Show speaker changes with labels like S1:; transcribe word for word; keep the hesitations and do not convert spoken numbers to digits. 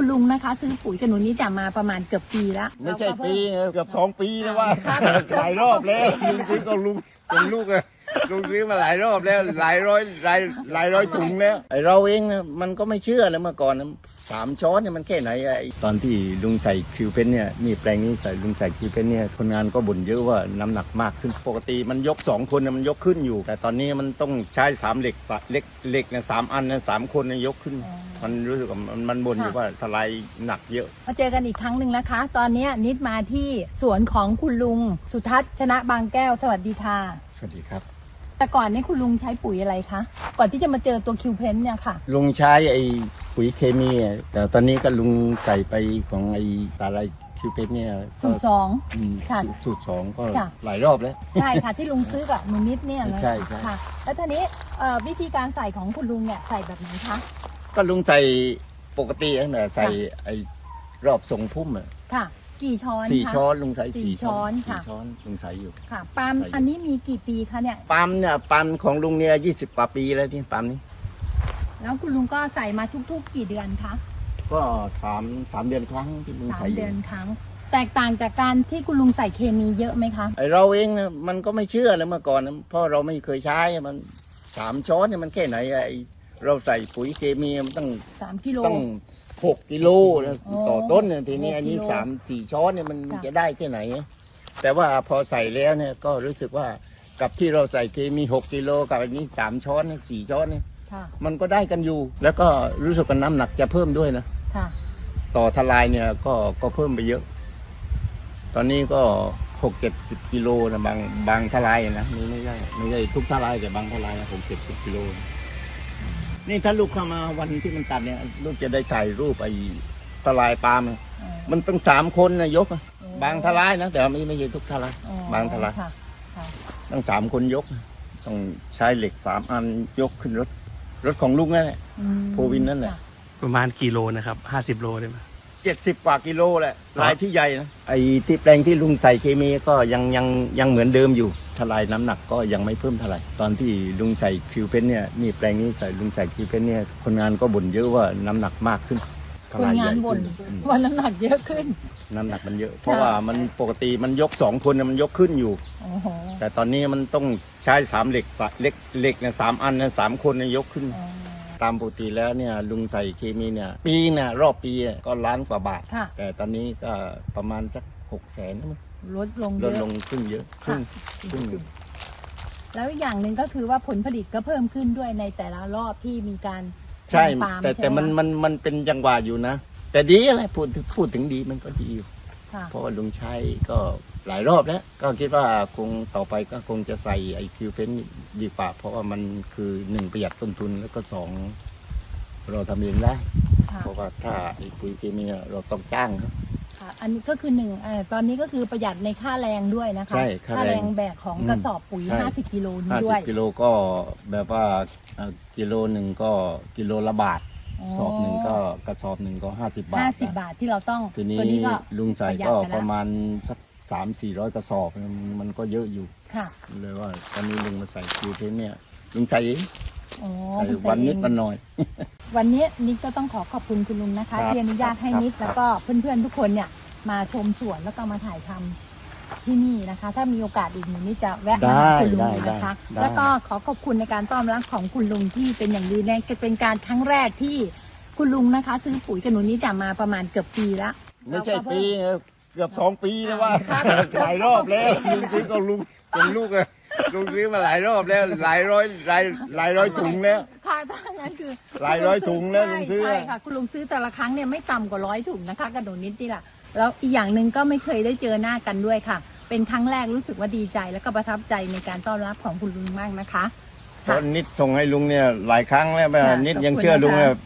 S1: คุณลุงนะคะซื้อปุ๋ยกับหนูนิดมาประมาณเกือบปีแล้ว
S2: ไม่ใช่ปีเกือบสองปีแล้วว่าหลายรอบแล้วลุงซื้อก็ลุงเป็นลูกอะลุงซื้อมาหลายรอบแล้วหลายร้อยหลายหลายร้อยถุงแล้วไอเราเองนะมันก็ไม่เชื่อเลยเมื่อก่อนนะสามช้อนเนี่ยมันแค่ไหนไอตอนที่ลุงใส่คิวเพนเนี่ยนี่แปลงนี้ใส่ลุงใส่คิวเพนเนี่ยคนงานก็บ่นเยอะว่าน้ำหนักมากขึ้นปกติมันยกสองคนมันยกขึ้นอยู่แต่ตอนนี้มันต้องใช้สามเหล็กเหล็กเหล็กเนี่ยสามอันนะสามคนเนี่ยยกขึ้นมันรู้สึกว่ามันมันบ่นอยู่ว่าทลายหนักเยอะ
S1: มาเจอกันอีกครั้งหนึ่งนะคะ ตอนนี้นิดมาที่สวนของคุณลุงสุทัศน์ชนะบางแก้วสวัสดีค่ะ
S2: สวัสดีครับ
S1: แต่ก่อนนี้คุณลุงใช้ปุ๋ยอะไรคะก่อนที่จะมาเจอตัวคิวเพนเนี่ยค่ะ
S2: ลุงใช้ไอ้ปุ๋ยเคมีแต่ตอนนี้ก็ลุงใส่ไปของไอ้ตาไลคิวเพนเนี่ย
S1: สูตรสอง
S2: ค่ะสูตรสองก็หลายรอบแล้ว
S1: ใช่ค่ะที่ลุงซื้อกับหนูนิดเนี่ยเลย
S2: ใช่
S1: ค่ะแล้วทีนี้วิธีการใส่ของคุณลุงเนี่ยใส่แบบไหนคะ
S2: ก็ลุงใส่ปกตินั่นแหละใส่ไอ้รอบทรงพุ่มอ่ะ
S1: ค่ะกี่ช้อน
S2: สี่ช้อนลุงใส่สี่
S1: ช้อน
S2: ค่ะช้อนลุงใส่อยู่
S1: ค่ะปาล์มอันนี้มีกี่ปีคะเนี่ย
S2: ปาล์มเนี่ยปาล์มของลุงเนี่ยยี่สิบกว่าปีแล้วที่ปาล์มนี้
S1: แล้วคุณลุงก็ใส่มาทุกๆกี่เดือนคะ
S2: ก็สามสามเดือนครั้งที่ลุงใส่
S1: สามเดือนครั้งแตกต่างจากการที่คุณลุงใส่เคมีเยอะไหมคะ
S2: ไอเราเองนะมันก็ไม่เชื่อเลยเมื่อก่อนนะเพราะเราไม่เคยใช้มันสามช้อนเนี่ยมันแค่ไหนไอเราใส่ปุ๋ยเคมีมันตั้ง
S1: สามกิโล
S2: ตั้งหกกิโลต่อต้นเนี่ยทีนี้อันนี้สามสี่ช้อนเนี่ยมันจะได้แค่ไหนแต่ว่าพอใส่แล้วเนี่ยก็รู้สึกว่ากับที่เราใส่เคมีหกกิโลกับอันนี้สามช้อนสี่ช้อนเนี่ยมันก็ได้กันอยู่แล้วก็รู้สึกว่าน้ำหนักจะเพิ่มด้วยนะต่อทลายเนี่ยก็ก็เพิ่มไปเยอะตอนนี้ก็หกเจ็ดสิบกิโลนะบางบางทลายนะไม่ไม่ใช่ไม่ใช่ทุกทลายแต่บางทลายหกเจ็ดสิบกิโลนี่ถ้าลูกเข้ามาวันที่มันตัดเนี่ยลูกจะได้ถ่ายรูปไอ้ทลายปาล์มมันต้องสามคนนะยกบางทลายนะแต่ไม่ไม่ใช่ทุกทลายบางทลายต้องสามคนยกต้องใช้เหล็กสามอันยกขึ้นรถรถของลุงนั่นแหละโพวินนั่นแหละ
S3: ประมาณกี่โลนะครับห้าสิบโลได้ไหม
S2: เจ็ดสิบกว่ากิโลแหละลายที่ใหญ่นะไอ้ที่แปลงที่ลุงใส่เคมีก็ยังยังยังเหมือนเดิมอยู่ทลายน้ำหนักก็ยังไม่เพิ่มเท่าไหร่ตอนที่ลุงใส่คิวเพนเนี่ยนี่แปลงนี้ใส่ลุงใส่คิวเพนเนี่ยคนงานก็บ่นเยอะว่าน้ำหนักมากขึ้น
S1: คนงานบ่นว่าน้ำหนักเยอะขึ้น
S2: น้ำหนักมันเยอะเพราะว่ามันปกติมันยกสองคนมันยกขึ้นอยู่แต่ตอนนี้มันต้องใช้สามเหล็กเหล็กเหล็กเนี่ยสามอันเนี่ยสามคนเนี่ยยกขึ้นตามปกติแล้วเนี่ยลุงใส่เคมีเนี่ยปีเนี่ยรอบปีก็ล้านกว่าบาทแต่ตอนนี้ก็ประมาณสักหกแสน
S1: ลดลง
S2: ลดลงขึ้นเยอะขึ้นขึ้น
S1: แล้วอีกอย่างหนึ่งก็คือว่าผลผลิตก็เพิ่มขึ้นด้วยในแต่ละรอบที่มีการ
S2: ใช่แต่แต่มันมันมันเป็นจังหวะอยู่นะแต่ดีอะไรพูดพูดถึงดีมันก็ดีอยู่เพราะว่าลุงใช้ก็หลายรอบแล้วก็คิดว่าคงต่อไปก็คงจะใส่ไอคิวเพนดีกว่าเพราะว่ามันคือหนึ่งประหยัดต้นทุนแล้วก็สองเราทำเองได้เพราะว่าถ้าไอปุ๋ยเคมีเราต้องจ้างครับ
S1: อันนี้ก็คือหนึ่งตอนนี้ก็คือประหยัดในค่าแรงด้วยนะคะค่าแรงแบกของกระสอบปุ๋ยห้าสิบกิโลนี้ด้วย
S2: ห้าสิบกิโลก็แบบว่ากิโลหนึ่งก็กิโลละบาทสอบหนึ่งก็กระสอบหนึ่งก็ห้าสิบบาท
S1: ห้าสิบบาทที่เราต้อง
S2: ทีนี้ลุงใส่ก็ประมาณสักสามสี่ร้อยกระสอบมันก็เยอะอยู่
S1: ค่ะ
S2: เลยว่าตอนนี้ลุงมาใส่คิวเพนเนี่ยลุงใส่เองวันนิดวันหน่อย
S1: วันนี้นิดก็ต้องขอขอบคุณคุณลุงนะคะที่อนุญาตให้นิดแล้วก็เพื่อนๆทุกคนเนี่ยมาชมสวนแล้วก็มาถ่ายทำที่นี่นะคะถ้ามีโอกาสอีกหนึ่งนี่จะแวะมาคุณลุงนะคะแล้วก็ขอขอบคุณในการต้อนรับของคุณลุงที่เป็นอย่างดีแน่เป็นการครั้งแรกที่คุณลุงนะคะซื้อปุ๋ยกับหนูนิดมาประมาณเกือบปีแล้ว
S2: ไม่ใช่ปีเกือบสองปีแล้วว่าหลายรอบแล้วลุงซื้อก็ลุงเป็นลูกอะลุงซื้อมาหลายรอบแล้วหลายร้อยหลายหลายร้อยถุงแล้ว
S1: ค่ะถ้างั้นคือ
S2: หลายร้อยถุงแล้วลุงซื้อ
S1: ใช่ค่ะคุณลุงซื้อแต่ละครั้งเนี่ยไม่ต่ำกว่าร้อยถุงนะคะกระโดดนิดนี่แหละแล้วอีกอย่างหนึ่งก็ไม่เคยได้เจอหน้ากันด้วยค่ะเป็นครั้งแรกรู้สึกว่าดีใจแล้วก็ประทับใจในการต้อนรับของคุณลุงมากนะคะ
S2: ตอนนิดส่งให้ลุงเนี่ยหลายครั้งแล้วนิดยังเชื่อลุง